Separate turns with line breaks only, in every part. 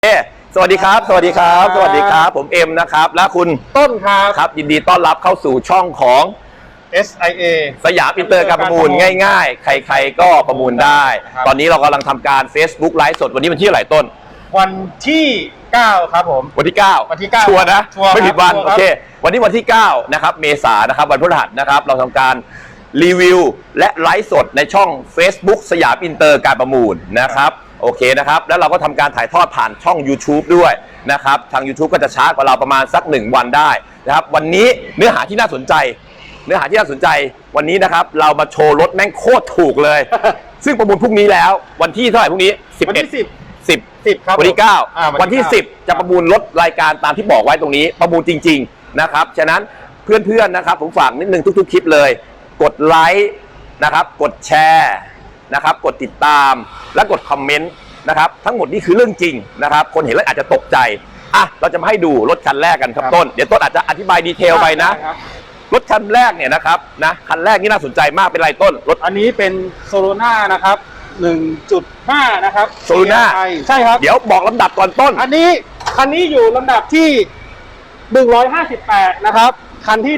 สวัสดีครับสวัสดีครับสวัสดีครับผมเอ็มนะครับและคุณ
ต้นครับ
ครับยินดีต้อนรับเข้าสู่ช่องของ
SIA
สยามอินเตอร์การประมูลง่ายๆใครๆก็ประมูลได้ตอนนี้เรากำลังทำการ Facebook ไลฟ์สดวันนี้วันที่เท่าไหร่ต้น
วันที่9ครับผม
วันที่9
วันที่9
ชัวร์นะไม่ผิดวันโอเควันนี้วันที่9นะครับเมษายนนะครับวันพฤหัสนะครับเราทำการรีวิวและไลฟ์สดในช่อง Facebook สยามอินเตอร์การประมูลนะครับโอเคนะครับแล้วเราก็ทำการถ่ายทอดผ่านช่อง YouTube ด้วยนะครับทาง YouTube ก็จะช้ากว่าเราประมาณสัก1วันได้นะครับวันนี้เนื้อหาที่น่าสนใจวันนี้นะครับเรามาโชว์รถแม่งโคตรถูกเลย ซึ่งประมูลพรุ่งนี้แล้ววันที่เท่าไหร่พรุ่งนี้
วันที่10ครับ
วันที่9วันที่10จะประมูลรถรายการตามที่บอกไว้ตรงนี้ประมูลจริงๆนะครับฉะนั้นเพื่อนๆนะครับผมฝากนิดนึงทุกๆคลิปเลยกดไลค์นะครับกดแชร์นะครับกดติดตามและกดคอมเมนต์นะครับทั้งหมดนี่คือเรื่องจริงนะครับคนเห็นแล้วอาจจะตกใจอ่ะเราจะมาให้ดูรถคันแรกกันครับต้นเดี๋ยวต้นอาจจะอธิบายดีเทลไปนะรถคันแรกเนี่ยนะครับนะคันแรกนี่น่าสนใจมากเป็นไรต้นรถ
อันนี้เป็นโซโลนานะครับ 1.5 นะครับ
โซโลนา
ใช่ครับ
เดี๋ยวบอกลำดับก่อนต้น
คันนี้อยู่ลำดับที่158นะครับคันที่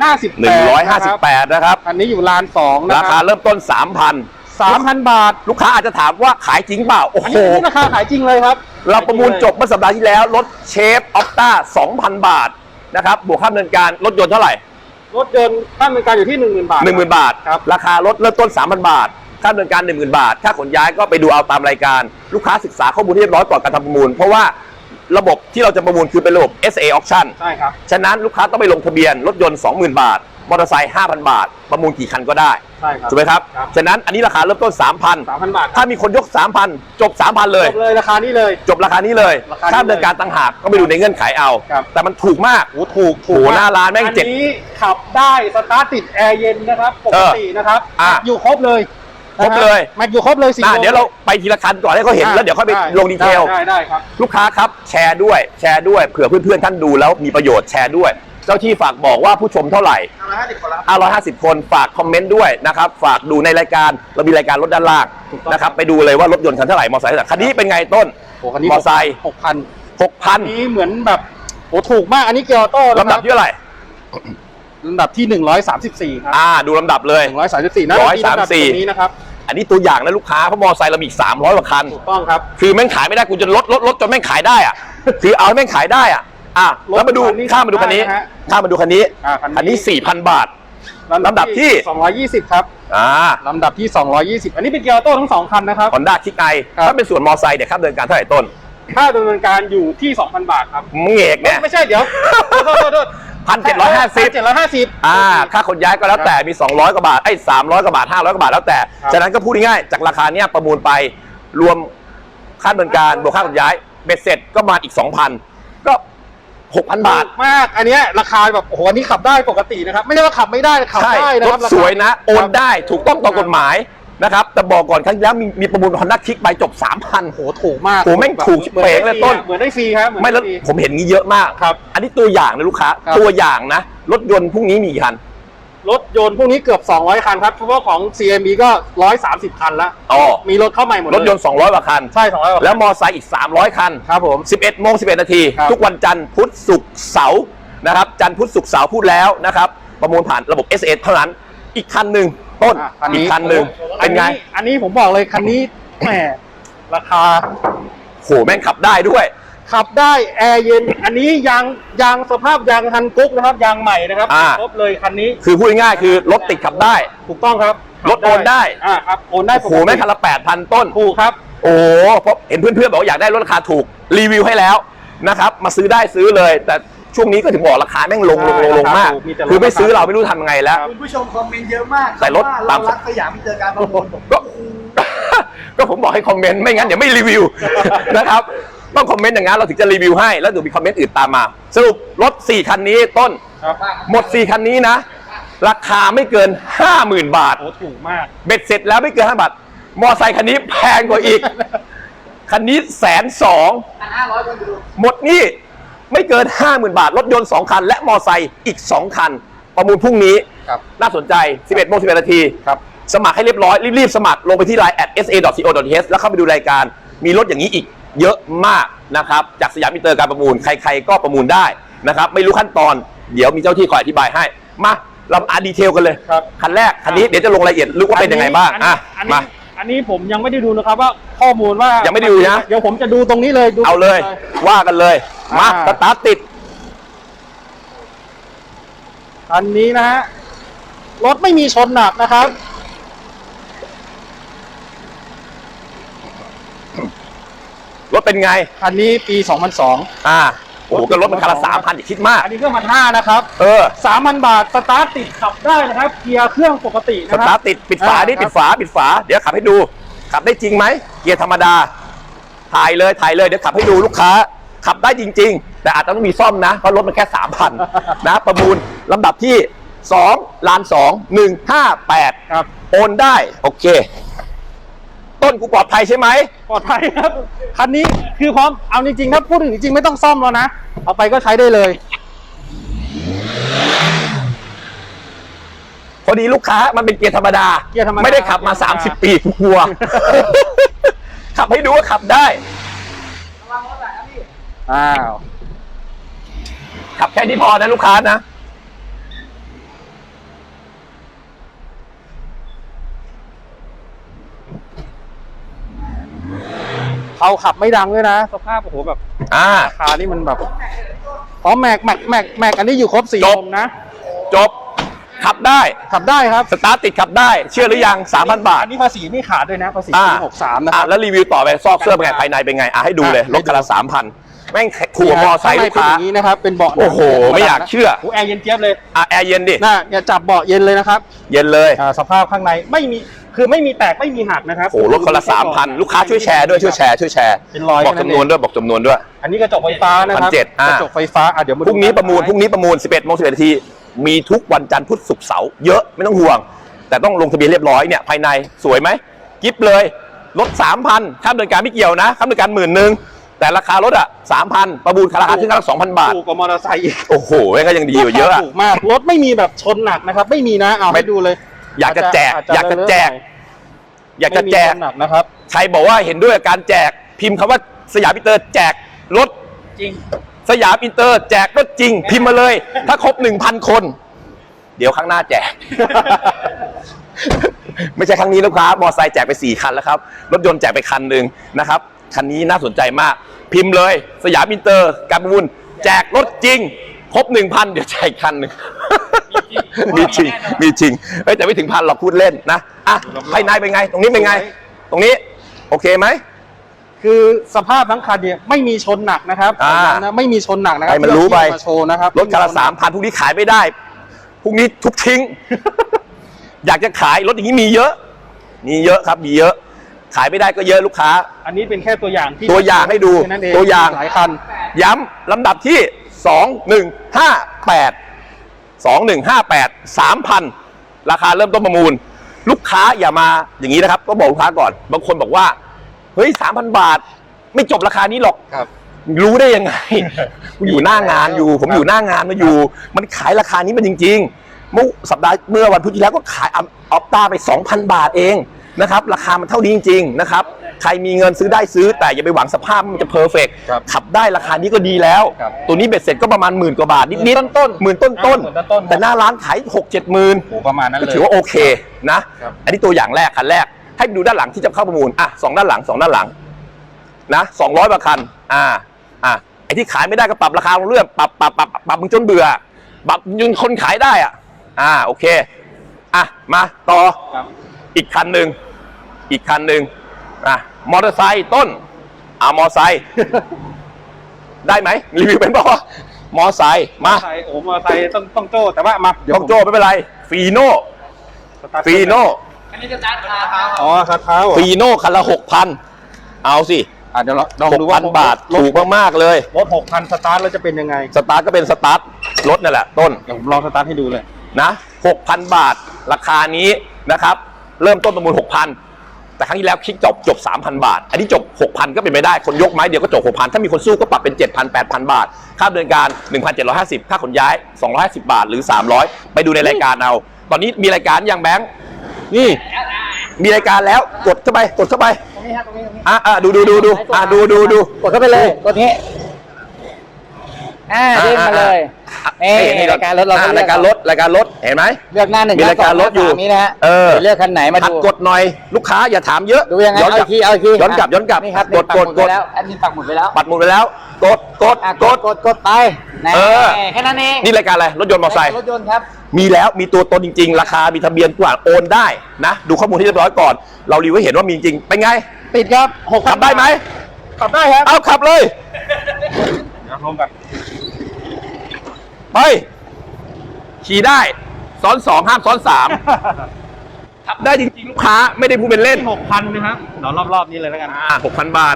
158
นะครับ
คันนี้อยู่ลาน2นะครับ
ราคาเริ่มต้น 3,000
บาท
ลูกค้าอาจจะถามว่าขายจริงเปล่าโอ้โห
ราคาขายจริงเลยครับ
เราประมูลจบเมื่อสัปดาห์ที่แล้วรถเชฟออฟต้า 2,000 บาทนะครับบวกค่าดำเนินการรถยนต์เท่าไหร่
รถยนต์ค่าดำเนินการอยู่ที่ 10,000 บาท
10,000 บาทครับราคารถเริ่มต้น 3,000 บาทค่าดำเนินการ 10,000 บาทถ้าขนย้ายก็ไปดูเอาตามรายการลูกค้าศึกษาข้อมูลที่เรียบร้อยก่อนการทำประมูลเพราะว่าระบบที่เราจะประมูลคือเป็นระบบ SA Auction
ใช่ครับ
ฉะนั้นลูกค้าต้องไปลงทะเบียนรถยนต์ 20,000 บาทมอเตอร์ไซค์ 5,000 บาทประมูลกี่คันก็ได้
ใช่ครับ
ถูกไหมครับฉะนั้นอันนี้ราคาเริ่มต้น
3,000 บาท
ถ้ามีคนยก 3,000 จบ 3,000 เลย
จบเลยราคานี้เลย
จบราคานี้เลยค่าดำเนินการต่างหากก็ไปดูในเงื่อนไขเอาแต่มันถูกมาก
โอ้ถูก
หน้าร้านแม่ง
7อันนี้ขับได้สตาร์ทติดแอร์เย็นนะครับปกตินะครับอยู่ครบเลยมาอยู่ครบเลย
เดี๋ยวเราไปทีละคันก่อนให้เขาเห็นแล้วเดี๋ยวค่อยไปลงดีเทล
ได้ครับ
ลูกค้าครับแชร์ด้วยเผื่อเพื่อนๆท่านดูแล้วมีประโยชน์แชร์ด้วยเจ้าที่ฝากบอกว่าผู้ชมเท่าไหร่550 คนฝากคอมเมนต์ด้วยนะครับฝากดูในรายการเรามีรายการรถด้านล่างนะครับไปดูเลยว่ารถยนต์คันเท่าไหร่มอเตอร์ไซค์คันนี้เป็นไงต้น
มอเตอร์ไซค์
6,000
นี้เหมือนแบบโอ้ถูกมากอันนี้เกียร์ออโต้
ลำดับที่เท่าไหร่
ลำดับที่134ครับ
ดูลำดับเลย
134นะ134นี้นะครับ
อันนี้ตัวอย่างนะลูกค้าเพราะมอเตอร์ไซค์เรามี300 กว่าคัน
ถูกต้องครับ
คือแม่งขายไม่ได้กูจะลดจนแม่งขายได้อ่ะคือเอาแม่งขายได้อ่ะแล้วมาดูข้ามมาดูคันนี้คันนี้ 4,000 บาทลำดับที่
220ครับลำดับที่220อันนี้เป็นเกียร์ออโต้ทั้ง2คันนะครับ
Honda Kick I ถ้าเป็นส่วนมอเตอร์ไซค์เดี๋ยวค่าดำเนินการเท่าไหร่ต้น
ค่าดำเนินการอยู่ที่ 2,000 บาทครับ
มึงเอกเนี่ย
ไม่ใช่เดี๋ยวโทษ
1,750ค่าขนย้ายก็แล้วแต่มี200 กว่าบาท300 กว่าบาท500 กว่าบาทแล้วแต่ฉะนั้นก็พูดง่ายๆจากราคาเนี้ยประมูลไปรวมค่าดำเนินการบวกค่าขนย้ายเบ็ดเสร็จก็มาอีก 2,000 ก็ 6,000 บาท
มากอันนี้ราคาแบบโอ้โหอันนี้ขับได้ปกตินะครับไม่ใช่ว่าขับไม่ได้ขับได้นะครับ
รถสวยนะโอนได้ถูกต้องตามกฎหมายนะครับแต่บอกก่อนครั้งที่แล้วมีประมูล Honda Kick ไปจบ 3,000
โหถูกมาก
โหแม่งถูกเป๋งเลยต้น
เหมือนได้ฟรีครับ
ไม่แล้วผมเห็นงี้เยอะมาก
ครับ
อันนี้ตัวอย่างนะลูกค้าตัวอย่างนะรถยนต์พรุ่งนี้มีกี่คัน
รถยนต์พวกนี้เกือบ200คันครับเฉพาะของ CMB ก็130คันแล้วมีรถเข้าใหม่หมด
รถยนต์200 กว่าคัน
ใช่200กว่า
แล้วมอไซค์อีก300คัน
ครับผม
11:11 นาทีทุกวันจันทร์พุธศุกร์เสาร์นะครับจันทร์พุธศุกร์เสาร์พูดแล้วนะครับประมูลผ่านระบบ SA เท่านั้นอีกคันหนึ่งต้นอีกคันหนึ่งเป็นไง
อันนี้ผมบอกเลยคันนี้แหมราคา
โหแม่งขับได้ด้วย
ขับได้แอร์เย็นอันนี้ยางสภาพยางฮันกุ๊กนะครับยางใหม่นะครับครบเลยคันนี้
คือพูดง่ายๆคือรถติดขับได้
ถูกต้องครับ
รถโอนได้
ครับโอนได้
โอ้โหแม่งคันละ 8,000 ต้น
ถูกครับ
โอ้เพราะเห็นเพื่อนๆบอกว่าอยากได้รถราคาถูกรีวิวให้แล้วนะครับมาซื้อได้ซื้อเลยแต่ช่วงนี้ก็ถึงบอกราคาแม่งลงมากคือไม่ซื้อเราไม่รู้ทำยังไงแล้ว
คุณผู้ชมคอมเมนต์เยอะมาก
แต่รถ
เรารักสยามอินเตอร์การประมูล
ก็ผมบอกให้คอมเมนต์ไม่งั้นเดี๋ยวไม่รีวิวนะครับต้องคอมเมนต์อย่างนั้นเราถึงจะรีวิวให้แล้วเดี๋ยวมีคอมเมนต์อื่นตามมาสรุปรถ4คันนี้ต้นหมด4คันนี้นะราคาไม่เกิน 50,000 บาท
โอ้ถูกมาก
เบ็ดเสร็จแล้วไม่เกิน5 บาทมอไซค์คันนี้แพงกว่าอีกคันนี้120,000หมดนี่ไม่เกิน 50,000 บาทรถยนต์2คันและมอไซค์อีก2คันประมูลพรุ่งนี้น่าสนใจ 11:11 นาทีสมัครให้เรียบร้อยรีบๆสมัครลงไปที่ line @sa.co.th แล้วเข้าไปดูรายการมีรถอย่างนี้อีกเยอะมากนะครับจากสยามอินเตอร์การประมูลใครๆก็ประมูลได้นะครับไม่รู้ขั้นตอนเดี๋ยวมีเจ้าที่คอยอธิบายให้มาเราอ่านดีเทลกันเลย
ครับ
คันแรกคันนี้เดี๋ยวจะลงรายละเอียดลึกว่าเป็นยังไงบ้างมา
อันนี้ผมยังไม่ได้ดูนะครับว่าข้อมูลว่า
ยั
ยัง
ไม่ได้ดูนะ
เดี๋ยวผมจะดูตรงนี้เลยดู
เอาเลยว่ากันเลยมาสตาร์ทติด
อันนี้นะฮะรถไม่มีชนหนักนะครับ
รถเป็นไง
อันนี้ปี 2002
โอ้โหก็รถมันคันละ3,000อย่าคิดมาก
อันนี้เครื่อง1,500นะครับ 3,000 บาทสตาร์ทติดขับได้นะครับเกียร์เครื่องปกติ
ส
นะค
ตา
รั
ร์ทติดปิดฝาดิปิดฝาเดี๋ยวขับให้ดูขับได้จริงไหมเกียร์ธรรมดาถ่ายเลยเดี๋ยวขับให้ดูลูกค้าขับได้จริงๆแต่อาจจะต้องมีซ่อมนะเพราะรถมันแค่ 3,000 นะประมูลลำดับที่2ล้าน2 158
ครับ
โอนได้โอเคต้นกูปลอดภัยใช่ไหม
ปลอดภัยครับคันนี้คือพร้อมเอาจริงๆครับพูดถึงจริงๆไม่ต้องซ่อมแล้วนะเอาไปก็ใช้ได้เลย
พอดีลูกค้ามันเป็นเกียร์ธรรมดา
เกียร์ธรรมดา
ไม่ได้ขับมา30 ปีกลัว ขับให้ดูว่าขับได้
อ้าว
ขับแค่นี้พอนะลูกค้านะ
เขาขับไม่ดังด้วยนะสภาพโอ้โหแบบราคานี่มันแบบแม็กอันนี้อยู่ครบ4
จ
ล
บ
มนะ
จบขับได้
ขับได้ครับ
สตาร์ทติดขับได้ เชื่อหรือยัง 3,000 บาท
อันนี้ภาษีไม่ขาดด้วยนะภาษีปี63นะครับ
แล้วรีวิวต่อไปซอกเสื้อเป็นไงภายในเป็นไงให้ดูเลยรถคันละ 3,000 แม่งขัวมอไซค์ลูกค้า
ข้งในเป็นอย่างนี้นะครับเป็นเบาะ
โอ้โหไม่อยากเชื่อ
โอ้แอร์เย็นเจี๊ยบเลย
แอร์เย็นดิ
น่าอย่าจับเบาะเย็นเลยนะครับ
เย็นเลย
สภาพข้างในไม่มีคือไม่มีแตกไม่มีหักนะครับ
โอ้โหรถคันละ 3,000 ลูกค้าช่วยแชร์ด้วยช่วยแชร์
เป็นรอย
บอกจำนวนด้วยบอกจำนวนด้วย
อันนี้กระจกไฟฟ้านะครับ
1,700
กระจกไฟฟ้าเดี๋ยวมา
พรุ่งนี้ประมูล11 โมง 11 นาทีมีทุกวันจันทร์พุธศุกร์เสาร์เยอะไม่ต้องห่วง แต่ต้องลงทะเบียนเรียบร้อยเนี่ยภายในสวยไหมกิฟต์เลยลด 3,000 ค่าดำเนินการไม่เกี่ยวนะค่าดำเนินการ 10,000 แต่ราคารถ3,000 ประมูลราคาขึ้นกันละ 2,000 บาท
ถูกกว่ามอเตอร์ไซค์อีก
โอ้โหก็ยังดีอยู่เยอะ
ถูกมากรถไม่มีแบบชนหนักนะครับ ไม่มีนะเอาให้ดูเลย
อยากจะแจกอยากจะแจก
ไม่มีชนหนักนะครับ
ใครบอกว่าเห็นด้วยกับการแจกพิมพ์คำว่าสยามอินเตอร์แจกรถ
จริง
สยามอินเตอร์แจกรถจริง พิมพ์มาเลย ถ้าครบ 1,000 คน เดี๋ยวครั้งหน้าแจก ไม่ใช่ครั้งนี้ลูกค้ามอไซค์แจกไป4 คันแล้วครับรถยนต์แจกไปคันหนึ่งนะครับคันนี้น่าสนใจมากพิมพ์เลยสยามอินเตอร์การประมูลแจกรถจริงครบ 1,000 เดี๋ยวแจกคันหนึ่ง มีจริงแต่ไม่ถึง1,000หรอกพูดเล่นนะภายในเป็นไงตรงนี้เป็นไงตรงนี้โอเคไหม
คือสภาพทั้งคันเนี่ยไม่มีชนหนักนะครับนะไม่มีชนหนักนะครับ
ให้มันรู้ไป
มาโชว์นะครับ
รถคันละ 3,000พรุ่งนี้ขายไม่ได้พรุ่งนี้ทุบทิ้ง อยากจะขายรถอย่างนี้มีเยอะครับมีเยอะขายไม่ได้ก็เยอะลูกค้า
อันนี้เป็นแค่ตัวอย่างที่
ตัวอย่างให้ดู
แค่นั้นเอง
ตัวอย่าง
หลายคัน
ย้ำลำดับที่ 2158 3,000 ราคาเริ่มต้นประมูล ลูกค้าอย่ามาอย่างนี้นะครับก็บอกลูกค้าก่อนบางคนบอกว่าเฮ้ย 3,000 บาทไม่จบราคานี้หรอก
ครับ
รู้ได้ยังไง ผมอยู่หน้างานอยู่ ผมอยู่หน้างานมาอยู่ มันขายราคานี้มันจริงๆเมื่อวันพุธที่แล้วก็ขายออปต้าไป 2,000 บาทเองนะครับราคามันเท่านี้จริงๆนะครับใครมีเงินซื้อได้ซื้อแต่อย่าไปหวังสภาพมันจะเพอร์เฟกต์ขับได้ราคานี้ก็ดีแล้ว ตัวนี้เบ็ดเสร็จก็ประมาณ10,000 กว่าบาทนิดๆต้นๆแต่หน้าร้านขาย 6-7 หมื่น
โอ้ประมาณนั้น
ก็
เลย
ถือว่าโอเคนะอันนี้ตัวอย่างแรกคันแรกให้ดูด้านหลังที่จะเข้าประมูล2 ด้านหลัง2 ด้านหลังนะ200 กว่าคันไอ้ที่ขายไม่ได้ก็ปรับราคาลงเรื่อยปรับมึงจนเบื่อปรับจนคนขายได้โอเคมาต่ออีกคันหนึ่งมอเตอร์ไซค์ต้นมอไซค์ ได้ไหมรีวิวเป็นป่ะมอไซค์มา
โอ้มอเตอร์ไซค์ต้องโจ้แต่ว่ามา
ต้องโจ้ไม่เป็นไรฟีโน่
อันนี้จะตัดขาเท้า
อ๋อคาเท้า
ฟีโน่คันละ 6,000 เอาสิ
เดี๋ยวลองดูว่า
6,000 บาทถูกมากๆเลย
รถ 6,000 สตาร์ทแล้วจะเป็นยังไง
สตาร์ทก็เป็นสตาร์ทรถนั่นแหละต้น
เดี๋ยวผมลองสตาร์ทให้ดูเลย
นะ 6,000 บาทราคานี้นะครับเริ่มต้นประมูล 6,000 แต่ครั้งที่แล้วคลิกจบ 3,000 บาทอันนี้จบ 6,000 ก็เป็นไปได้คนยกไม้เดียวก็จบ 6,000 ถ้ามีคนสู้ก็ปรับเป็น 7,000 8,000 บาทค่าดำเนินการ 1,750 ค่าขนย้าย250 บาทหรือ300ไปดูในรายการเอาตอนนี้มีรายการยังแบงค์นี่มีรายการแล้วกดเข้าไป
รงนี้ฮะตรงนี้
ดูดู
กดเข้าไปเลยกดนี้เด้งมาเลยนี่รายการรถเรา
รายการรถเห็นไหม
เลือกหน้า1
มีรายการรถอยู่
นี้นะฮะเลือกคันไหนมาดู
กดหน่อยลูกค้าอย่าถามเยอะ
ดูยังไงเอาอีกที
ย้อนกลับ
นี่ครับกดแล้วแอดมินปักหมุดไปแล้วกดไปแค่นั้นเอง
นี่รายการอะไรรถยนต์มอเตอร์ไซค์
รถยนต์ครับ
มีแล้วมีตัวตนจริงๆราคามีทะเบียนกว่าโอนได้นะดูข้อมูลที่เรียบร้อยก่อนเรารีวิวให้เห็นว่ามีจริงเป็นไง
ติดครับ
ขับได้ไหม
ขับได้ครับ
เอาขับเลย
ลงกัน
ไปขี่ได้ซ้อน2ห้ามซ้อน3ขับได้จริงๆลูกค้าไม่ได้พูดเป็นเล่น
6,000 นะครับเดี๋ยวรอบๆนี้เลยแล้วกัน
6,000 บาท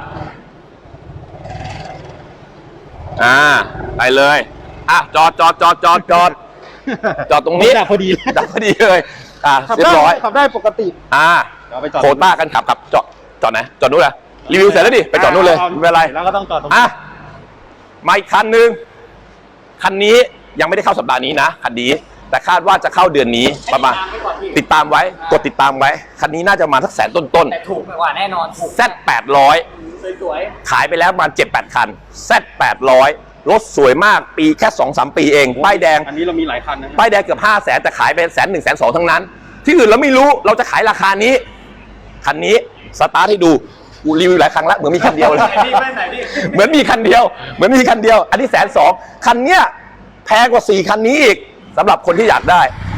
ไปเลยจอดตรงนี้
ดับพอดี
เลยเรียบร้อย
ขับได้ปกติ
โคต้ากันขับจอดไหนจอดนู้นเลยรีวิวเสร็จแล้วดิไปจอดนู้นเลยไม่เป็นไร
แล้วก็ต้องจอดตรงนี้
มาอีกคันนึงคันนี้ยังไม่ได้เข้าสัปดาห์นี้นะคันนี้แต่คาดว่าจะเข้าเดือนนี้ประมาณติดตามไว้กดติดตามไว้คันนี้น่าจะมาสักแสนต้น
แต่ถูกกว่าแน่นอน
Z800
สวย
ขายไปแล้วประมาณ 7-8 คัน Z800 รถสวยมากปีแค่ 2-3 ปีเองป้ายแดง
อันนี้เรามีหลายคันนะ
ป้ายแดงเกือบ500,000แต่ขายไป100,000 102,000ทั้งนั้นที่อื่นเราไม่รู้เราจะขายราคานี้คันนี้สตาร์ทให้ดูรีวิวหลายครั้งแล้วเหมือนมีคันเดียวเลยเหมือนมีคันเดียวอันนี้102,000คันเนี้ยแพงกว่า4คันนี้อีกสำหรับคนที่อยากได้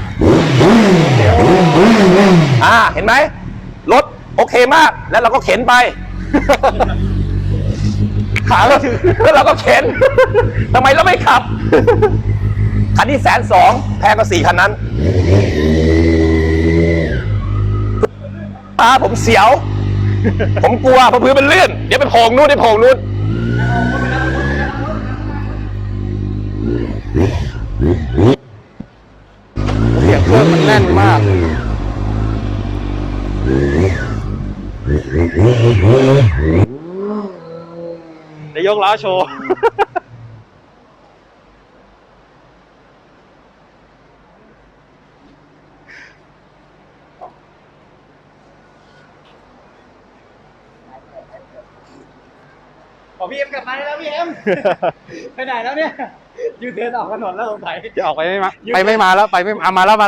เห็นไหมรถโอเคมากแล้วเราก็เข็นไปขาเราถือแล้วเราก็เข็นทำไมเราไม่ขับคันนี้102,000แพงกว่า4คันนั้นผมเสียวผมกลัวเพราะพื้นมันลื่นเดี๋ยวไปโผล่นู่น
เสียงเครื่องมันแน่นมากเดี๋ยวยกล้อโชว์พี่เอ็มกลับมาแล้วพี่เอ็มไปไหนแล้วเนี่ยยูเทิร์นออกถนนแล้วสงสัยจะออกไปไม่มาแล้วไปไม่มาแล้ว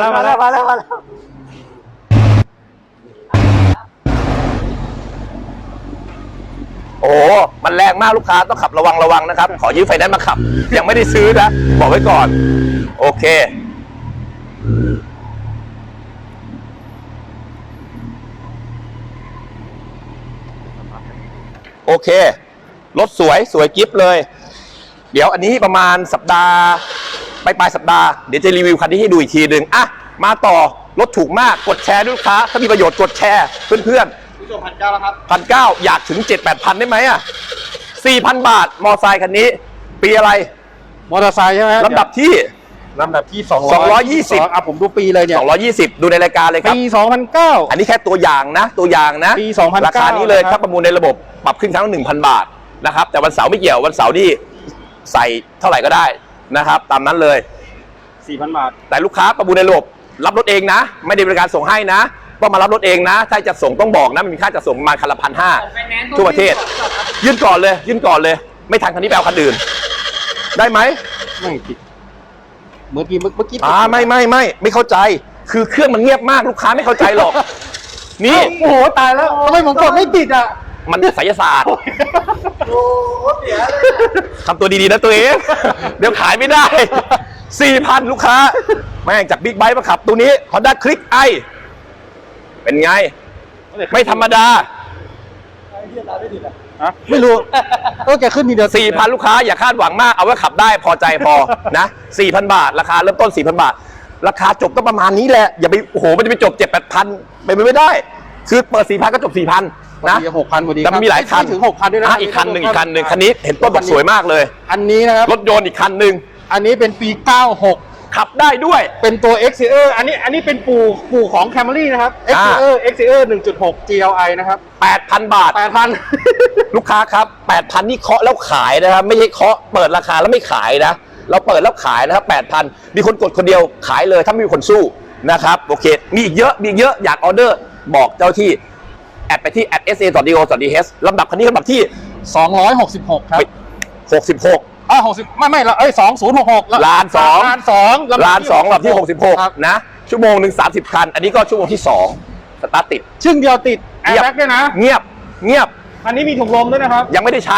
โอ้มันแรงมากลูกค้าต้องขับระวังนะครับขอยืมไฟแนนซ์มาขับยังไม่ได้ซื้อนะบอกไว้ก่อนโอเครถสวยกิฟต์เลยเดี๋ยวอันนี้ประมาณสัปดาห์ปลายสัปดาห์เดี๋ยวจะรีวิวคันนี้ให้ดูอีกทีหนึ่งมาต่อรถถูกมากกดแชร์ด้วยลูกค้าถ้ามีประโยชน์กดแชร์เพื่อน
ผู้ชม1,900แล้วครับ
1,900อยากถึง 7-8,000 ได้ไหม4,000 บาทมอไซค์คันนี้ปีอะไร
มอเตอร์ไซค์ใช่ไหม
ลำดับที่
220ผมดูปีเลยเนี่ย
220ดูในรายการเลยครับ
ปี2009
อันนี้แค่ตัวอย่างนะ
ปี2009
ราคานี้เลยถ้าประมูลในระบบปรับขึ้นครั้งละ 1,000 บาทนะครับแต่วันเสาร์ไม่เกี่ยววันเสาร์ที่ใส่เท่าไหร่ก็ได้นะครับตามนั้นเลย
4,000 บาท
แต่ลูกค้าประมูลในระบบรับรถเองนะไม่ได้บริการส่งให้นะต้องมารับรถเองนะถ้าจะส่งต้องบอกนะมันมีค่าจะส่งประมาณคันละ 1,500 ทั่วประเทศยื่นก่อนเลยไม่ทันคันนี้แปลคันอื่นได้ไหม
ไม่ผิดเมื่อกี้
ไม่เข้าใจคือเครื่องมันเงียบมากลูกค้าไม่เข้าใจหรอกนี่
โอ้โหตายแล้วทำไมผมกดไม่ติด
มันไสยศาสตร์
โอ้เสียเลย
ทำตัวดีๆนะตัวเองเดี๋ยวขายไม่ได้ 4,000 ลูกค้าแม่งจากบิ๊กไบค์มาขับตัวนี้ Honda Click i เป็นไงไม่ธรรมดา
ไม่รู้ก็แกขึ้นมีเดียว
4,000 ลูกค้าอย่าคาดหวังมากเอาไว้ขับได้พอใจพอนะ 4,000 บาทราคาเริ่มต้น 4,000 บาทราคาจบก็ประมาณนี้แหละอย่าไปโอ้โหมันจะไปจบ 7-8,000 ไปไม่ได้คือเปิด 4,000 ก็จบ 4,000 นะ
6,000พอดี
แต่มีหลายคัน
ถึง 6,000 ด้วยนะ
อีกคันหนึ่งคันนี้เห็นต้นบอกสวยมากเลย
อันนี้นะครับ
รถยนต์อีกคันหนึ่ง
อันนี้เป็นปี96
ขับได้ด้วย
เป็นตัว Exterior อันนี้เป็นปู่ของ Camry นะครับ Exterior 1.6 GLI นะครับ
8,000 บาท
8,000
ลูกค้าครับ 8,000 นี่เคาะแล้วขายนะครับไม่ใช่เคาะเปิดราคาแล้วไม่ขายนะเราเปิดแล้วขายนะครับ 8,000 มีคนกดคนเดียวขายเลยถ้าไม่มีคนสู้นะครับโอเคมีอีกเยอะอยากออเดอร์บอกเจ้าที่แอดไปที่ @sa.do.th ลำดับคันนี้ลำดับที่
266 ครับ
66
60ไม่เอ้ย2066
ล้านสอง
ล้านสองลำดับ
ล้านสองลำดับที่
ครับ
66 นะ ชั่วโมงหนึ่ง30 คัน อันนี้ก็ชั่วโมงที่ 2 สตาร์ทติด
ชึ่งเดียวติดแอร์แบ็กด้วยนะ
เงียบ เงียบ
อันนี้มีถุงลมด้วยนะครับ
ยังไม่ได้ใช้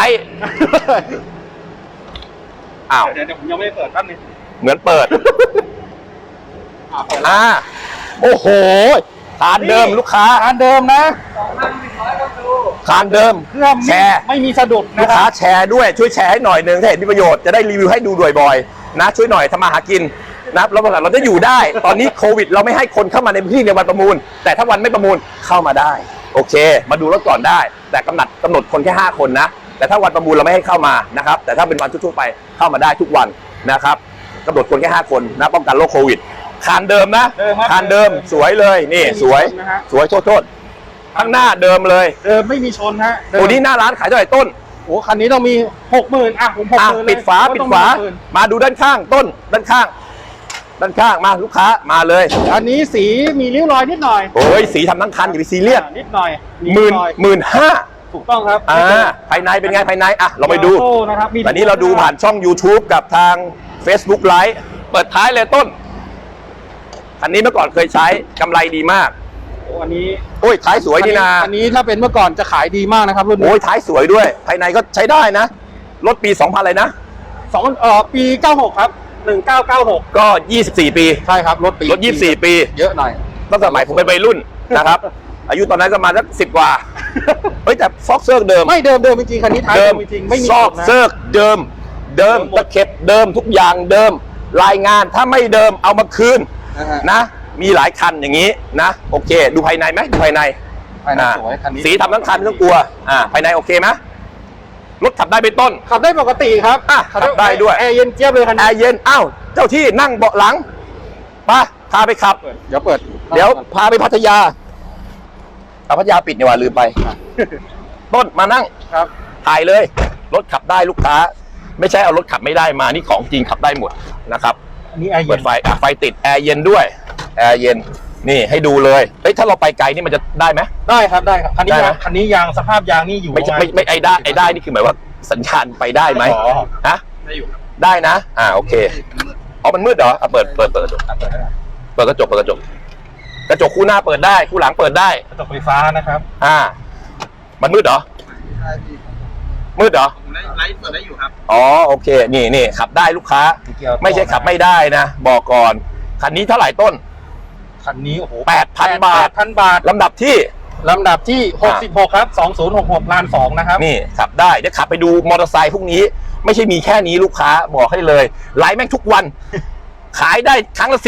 อ้าว
เดี๋ยวผมยังไม่ได้เปิดแป๊บนึง
เหมือนเปิด
เปิดแล้ว
โอ้โหคานเดิมลูกค้า
ร้านเดิมนะ
คานเดิม
เครื่อง
แชร์
ไม่มีสะดุด
ลู
นะ
ก
ค
ค้า
รับ
แชร์ด้วยช่วยแชร์ให้หน่อยหนึ่งถ้าเห็นมีประโยชน์จะได้รีวิวให้ดูบ่อยๆนะช่วยหน่อยทำมาหากินนะเราจะอยู่ได้ ตอนนี้โควิดเราไม่ให้คนเข้ามาในพื้นที่ในวันประมูล แต่ถ้าวันไม่ประมูลเข้ามาได้ โอเค มาดูรถก่อนได้ แต่กำหนดคนแค่5 คนนะแต่ถ้าวันประมูลเราไม่ให้เข้ามานะครับแต่ถ้าเป็นวันทั่วๆไปเข้ามาได้ทุกวันนะครับกำหนดคนแค่5 คนนะป้องกันโรคโควิดคานเดิมนะ
เดิมครับ
คานเดิมสวยเลยนี่สวย
นะฮะ
สวยโทษข้างหน้าเดิมเลย
เดิมไม่มีชนฮะเดิม
ตัวนี้หน้าร้านขายเท่าไหร่ต้น
โอ้คันนี้ต้องมี 60,000อ่ะผม60,000เลย
ปิดฝา
ก็
ปิด
ต้อง
ฝา
มี60,000
มาดูด้านข้างต้นด้านข้างมาลูกค้ามาเลย
อันนี้สีมีริ้วรอยนิดหน่อย
โอ้ยสีทำทั้งคันอย่าไปซีเรียส
นิดหน่อย
หมื่น
รอย
15,000
ถูกต้องครับ
ภายในเป็นไงภายในอ่ะเราไปดู
โซ่นะครับมี
ตอนนี้เราดูผ่านช่อง YouTube กับทาง Facebook Live เปิดท้ายเลยต้นคันนี้เมื่อก่อนเคยใช้กำไรดีมาก
โอ้อันนี้
โอ้ยท้ายสวยนี่นา
อันนี้ถ้าเป็นเมื่อก่อนจะขายดีมากนะครับรุ่นนี้
โอ้ยท้ายสวยด้วย ภายในก็ใช้ได้นะรถปี 2000อะไรนะ
ปี96ครับ1996
ก็ 24 ปี
ใช่ครับรถปี
รถ 24 ปี
เยอะหน่อย
ตั้งแต่สมัยผมเป็นวัยรุ่นนะครับ อายุตอนนั้นก็มาสัก10 กว่า เฮ้ยแต่ซอกเซิร์กเดิม
ไม่เดิมจริงๆคันนี้ท้ายเดิมจริงๆไม่มี
ซอก
นะ
เซิร์กเดิมตะเข็บเดิมทุกอย่างเดิม รายงานถ้าไม่เดิมเอามาคืน
นะฮะ
นะ มีหลายคันอย่างนี้นะ โอเค ดูภายในไหมดูภายใน
ภายใน
อ่า
สวยคันนี้
สีทำทั้งคันไม่ต้องกลัวภายในโอเคไหมรถขับได้ไปต้น
ขับได้ปกติครับ
ขับได้ด้วย
แอร์เย็นเจี๊ยบเลยคัน
แอ
นี้
ร์เย็นอ้าวเจ้าที่นั่งเบาะหลังไปพาไปขับ
เดี๋ยวเปิด
เดี๋ยวพาไปพัทยาพัทยาปิดนี่หว่าลืมไป ต้นมานั่ง
ครับ
ถ่ายเลย รถขับได้ลูกค้า ไม่ใช่เอารถขับไม่ได้มานี่ของจริงขับได้หมดนะครับ
อันนี้แอร์เย็
เปิ
น
ดไฟไฟติดแอร์เย็นด้วยแอร์เย็นนี่ให้ดูเลยเฮ้ยถ้าเราไปไกลนี่มันจะได้ไหม
ได้ครับคันนี้
ได้ไหม
คันนี้ยางสภาพยางนี่อยู่
ไม่ใช่
ประาณ
ไม่ไอ้ได้นี่คือหมายว่าสัญญาณไปได้ไหม
อ๋อ
ฮะ
ได้อยู่ครับ
ได้นะโอเคอ๋อมันมืดเหรอเปิดกระจกเปิดกระจกกระจกคู่หน้าเปิดได้คู่หลังเปิดได้
กระจกไฟฟ้านะครับ
มันมืดเหรอมืดเหรอ
ไลฟ์เปิดได้อยู่ครับ
อ๋อโอเคนี่ขับได้ลูกค้า
เกี่ยว
ไม่ใช่ขับไม่ได้นะบอกก่อนคันนี้เท่าไหร่ต้น
คันนี้โอ้โห
8,000 บาท
8,000 บาท
ลำดับที่
ลำดับที่ 66 ครับ 2066ล้าน2นะครับ
นี่ขับได้เดี๋ยวขับไปดูมอเตอร์ไซค์พวกนี้ ไม่ใช่มีแค่นี้ลูกค้าบอกให้เลยไลฟ์แม่งทุกวัน ขายได้ครั้งละ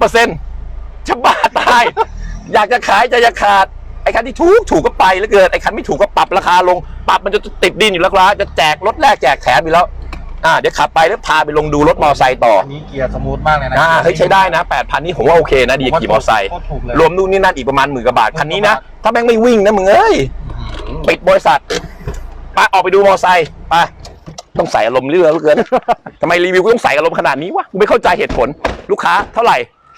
10-20%จะบ้าตาย อยากจะขายจะขาดไอ้คันที่ถูกก็ไปแล้วเกินไอ้คันไม่ถูกก็ปรับราคาลงปรับมันจะติดดินอยู่แล้วครับจะแจกรถแรกแจกแถมอยู่แล้วเดี๋ยวขับไปแล้วพาไปลงดูรถมอเตอร์ไซค์ต่อ
อันนี้เกียร์สมูทมากเลยนะ
เฮ้ยใช้ได้นะ 8,000 นี่ผมว่าโอเคนะดีขี่มอเตอร์ไซค์
โคตรถูกเลย
รวมนู่นนี่นั่นอีกประมาณ10,000 กว่าบาทคันนี้นะถ้าแม่งไม่วิ่งนะมึงเอ้ยปิดบริษัทไปออกไปดูมอเตอร์ไซค์ไปต้องใส่อารมณ์เรื่อยเหลือเกิน ทำไมรีวิวกูต้องใส่อารมณ์ขนาดนี้วะกูไม่เข้าใจเหตุผลลูกค้าเท่าไหร่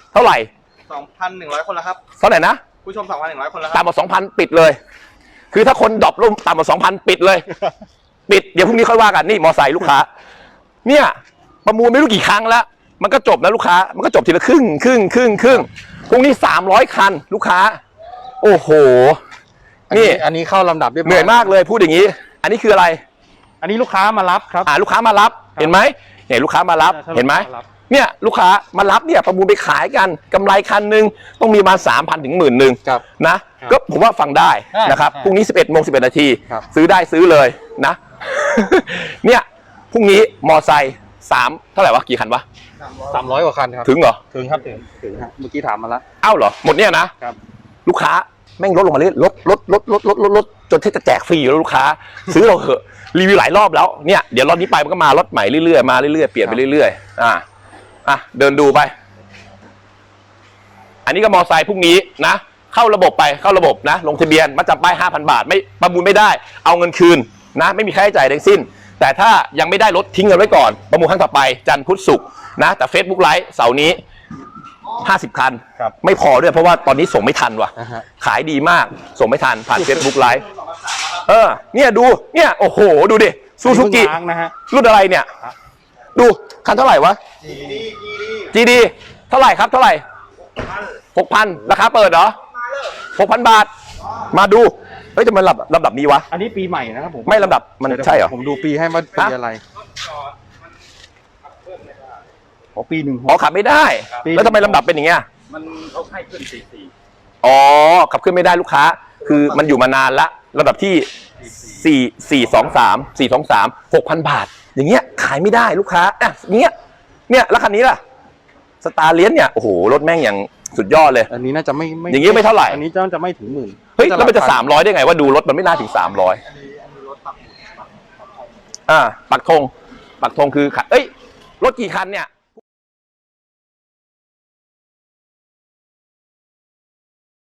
2,100 คนแล้วครับ
เท่าไหร่นะ
ผู้ชม 2,100 คนแล้วครับ
ต่ำกว่า 2,000 ปิดเลย คือถ้าคนดรอปลงต่ำกว่า 2,000 ปิดเลย ปิดเดี๋ยวพรุ่งนี้ค่อยว่ากันนี่มอไซค์ลูกค้าเนี่ยประมูลไม่รู้กี่ครั้งแล้วมันก็จบนะลูกค้ามันก็จบทีละครึ่งพรุ่งนี้300 คันลูกค้าโอ้โหนี่
อันนี้เข้าลำดับเรียบร้อย
เหนื่อยมากเลยพูดอย่างนี้ อันนี้คืออะไร
อันนี้ลูกค้ามารับครับ
ลูกค้ามารับเห็นไหมเนี่ยลูกค้ามารับ
ใช่
เห็นไหม
ลูกค้ามารับ
เนี่ยลูกค้ามารับเนี่ยประมูลไปขายกันกำไรคันหนึ่งต้องมีมา3,000 ถึง 10,000
ครับ
นะครับ ก็ผมว่าฟังได้
ใช่
นะครับ
ใช่
พรุ่งนี้ 11:11 นาที
ครับ
ซื้อได้ซื้อเลยนะ เนี่ยพรุ่งนี้มอไซค์3เท่าไหร่วะกี่คันวะ
300 กว่าคันครับ
ถึงเหรอ
ถึงครับถึงฮะเมื่อกี้ถามมาแล้ว
เอ้าเหรอหมดเนี่ยนะครับ ลูกค้าแม่งลดลงมาเรื่อยลดจนที่จะแจกฟรีอยู่แล้วลูกค้า ซื้อเราเหอะรีวิวหลายรอบแล้วเนี่ยเดี๋ยวรอบนี้ไปมันก็มารถใหม่เรื่อยๆมาเรื่อยๆเปลี่ยนไปเรื่อยๆเดินดูไป อันนี้ก็มอไซค์พรุ่งนี้นะเข้าระบบนะลงทะเบียนมาจำป้าย 5,000 บาทไม่ประมูลไม่ได้เอาเงินคืนนะไม่มีค่าใช้จ่ายทั้งสิ้น แต่ถ้ายังไม่ได้รถทิ้งเงินไว้ก่อนประมูลครั้งต่อไปจันทร์พุธศุกร์นะแต่ Facebook ไลฟ์เสาร์นี้ 50 คัน
ครับ
ไม่พอด้วยเพราะว่าตอนนี้ส่งไม่ทันว่ะ
นะฮะ
ขายดีมากส่งไม่ทันผ่าน Facebook Live เนี่ยดูเนี่ยโอ้โหดูดิซูซูกิ
เพิ่งล้างนะฮะ
รุ่นอะไรเนี่ย ดูคันเท่าไหร่วะ GD เท่าไหร่ครับเท่าไหร่ 6,000 ราคาเปิดเหรอ 6,000 บาท มาดูเฮ้ยจะมันลำดับนี้วะ
อันนี้ปีใหม่นะครับผม
ไม่ลำดับมันใช่เหรอ
ผมดูปีให้ว่าปีอะไรอ๋อปีหนึ่ง
อ๋อขับไม่ได้
ปี
แล้วทำไมลำดับเป็นอย่างเงี้ย
มันเขาให้ขึ้น44
อ๋อขับขึ้นไม่ได้ลูกค้า คือมันอยู่มานานละลำดับที่ 423 6,000 บาท อย่างเงี้ยขายไม่ได้ลูกค้าอ่ะอย่างเงี้ยเนี่ยแล้วคันนี้ล่ะสตาร์เลียนเนี่ยโอ้โหรถแม่งอย่างสุดยอดเลย
อันนี้น่าจะไม่
อย่างงี้ไม่เท่าไหร่
อันนี้จะไม่ถึงหมื่น
เฮ้ยแล้วมันจะ300ได้ไงว่าดูรถมันไม่น่าถึง300ปักธงคือเอ้ยรถกี่คันเนี่ย